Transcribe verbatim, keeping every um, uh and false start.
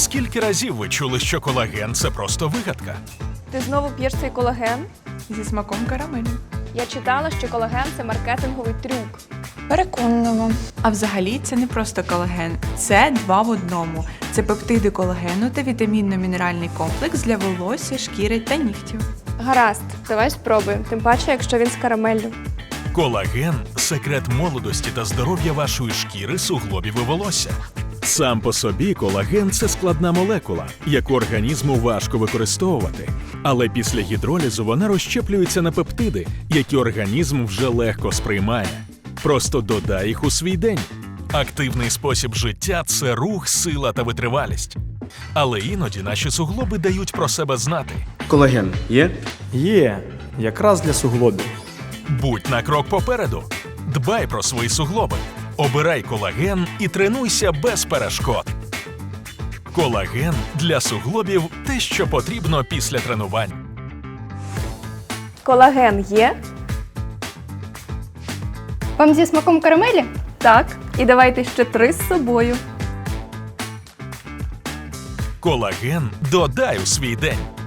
Скільки разів ви чули, що колаген – це просто вигадка? Ти знову п'єш цей колаген? Зі смаком карамелі. Я читала, що колаген – це маркетинговий трюк. Переконливо. А взагалі це не просто колаген, це два в одному. Це пептиди колагену та вітамінно-мінеральний комплекс для волосся, шкіри та нігтів. Гаразд, давай спробуємо, тим паче, якщо він з карамеллю. Колаген – секрет молодості та здоров'я вашої шкіри, суглобів і волосся. Сам по собі колаген – це складна молекула, яку організму важко використовувати. Але після гідролізу вона розщеплюється на пептиди, які організм вже легко сприймає. Просто додай їх у свій день. Активний спосіб життя – це рух, сила та витривалість. Але іноді наші суглоби дають про себе знати. Колаген є? Є, якраз для суглобів. Будь на крок попереду. Дбай про свої суглоби. Обирай колаген і тренуйся без перешкод. Колаген для суглобів – те, що потрібно після тренувань. Колаген є? Вам зі смаком карамелі? Так. І давайте ще три з собою. Колаген додай у свій день.